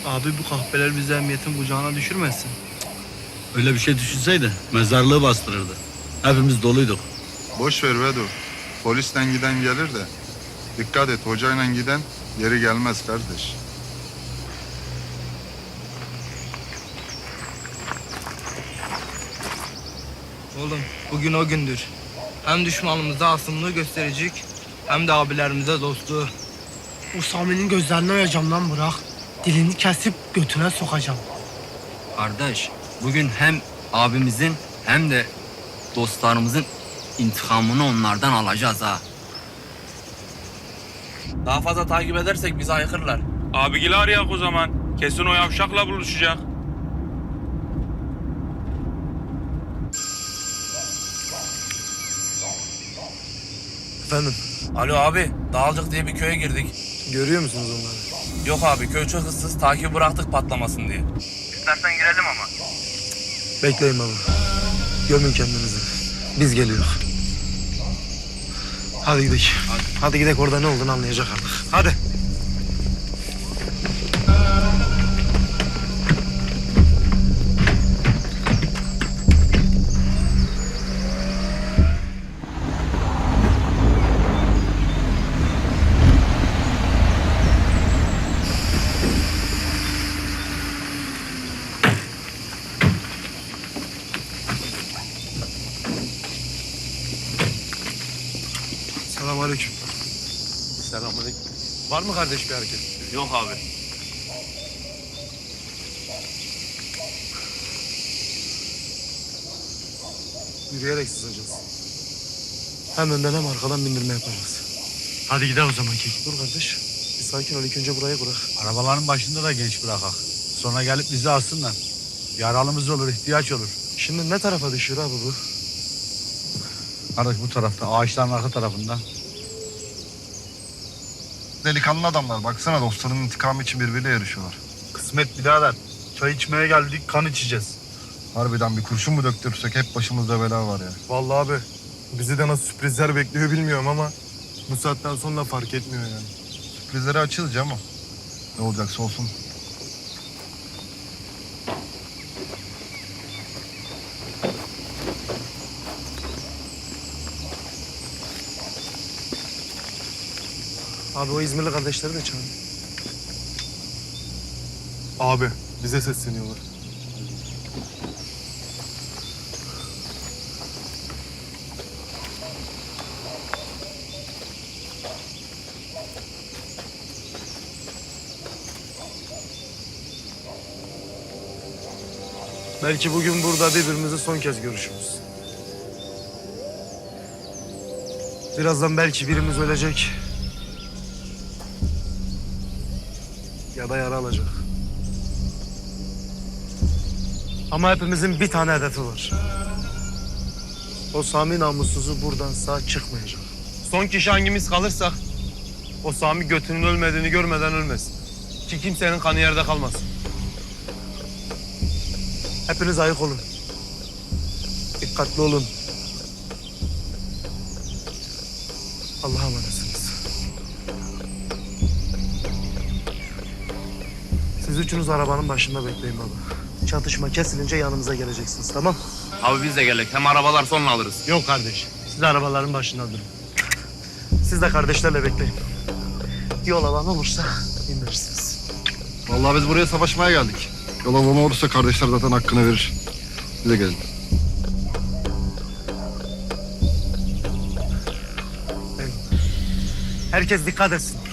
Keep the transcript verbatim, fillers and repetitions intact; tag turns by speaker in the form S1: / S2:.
S1: Abi bu kahpeler bizi emniyetin kucağına düşürmesin.
S2: Öyle bir şey düşünseydi mezarlığı bastırırdı. Hepimiz doluyduk.
S3: Boş ver Vedo. Polisten giden gelir de. Dikkat et, hocayla giden geri gelmez kardeş.
S4: Oğlum bugün o gündür. Hem düşmanımıza asımlığı gösterecek hem de abilerimize dostluğu.
S5: O Sami'nin gözlerini oyacağım lan Burak. Dilini kesip götüne sokacağım.
S6: Kardeş, bugün hem abimizin hem de dostlarımızın intikamını onlardan alacağız ha.
S7: Daha fazla takip edersek bizi ayıkırlar.
S8: Abigili arayak o zaman. Kesin o yavşakla buluşacak.
S9: Efendim,
S7: Alo abi, Dağılcık diye bir köye girdik.
S9: görüyor musunuz onları?
S7: Yok abi, köy çok ıssız, takibi bıraktık patlamasın diye. İstersen girelim ama.
S9: Bekleyin baba. Gömün kendinizi. Biz geliyoruz. Hadi gidelim. Hadi. Hadi gidelim, orada ne olduğunu anlayacak artık. Hadi. Selamünaleyküm.
S1: Selamünaleyküm.
S9: Var mı kardeş bir hareket?
S8: Yok abi.
S9: Yürüyerek sızacağız. Hem önden hem arkadan bindirme yapacağız.
S2: Hadi gidelim o zaman Kek.
S9: Dur kardeş. Bir sakin ol. İlk önce burayı bırak.
S2: Arabaların başında da genç bırakak. Sonra gelip bizi alsınlar. Yaralımız olur, ihtiyaç olur.
S9: Şimdi ne tarafa düşüyor abi bu?
S2: Kardeş bu tarafta, ağaçların arka tarafında.
S3: Delikanlı adamlar. Baksana, dostlarının intikamı için birbiriyle yarışıyorlar.
S2: Kısmet birader. Çay içmeye geldik, kan içeceğiz.
S3: Harbiden bir kurşun mu döktürsek hep başımızda bela var ya.
S9: Vallahi abi. Bizi de nasıl sürprizler bekliyor bilmiyorum ama bu saatten sonra fark etmiyor yani.
S3: Sürprizleri açığız ama ne olacaksa olsun.
S9: Abi o İzmirli kardeşleri de çağır.
S10: Abi bize sesleniyorlar.
S9: Belki bugün burada birbirimizi son kez görüşürüz. Birazdan belki birimiz ölecek. Ya da yara alacak. Ama hepimizin bir tane hedefi var. O Sami namussuzu buradan sağ çıkmayacak.
S10: Son kişi hangimiz kalırsak o Sami götünün ölmediğini görmeden ölmesin. Ki kimsenin kanı yerde kalmasın.
S9: Hepiniz ayık olun. Dikkatli olun. Allah'a emanetsiniz. Siz üçünüz arabanın başında bekleyin baba. Çatışma kesilince yanımıza geleceksiniz, tamam?
S7: Abi biz de geldik, hem arabalar sonra alırız.
S9: Yok kardeş. Siz arabaların başında durun. Siz de kardeşlerle bekleyin. Yol alan olursa indirirsiniz.
S3: Vallahi biz buraya savaşmaya geldik. Yol alan olursa kardeşler zaten hakkını verir. Bize gelin.
S9: Herkes dikkat etsin.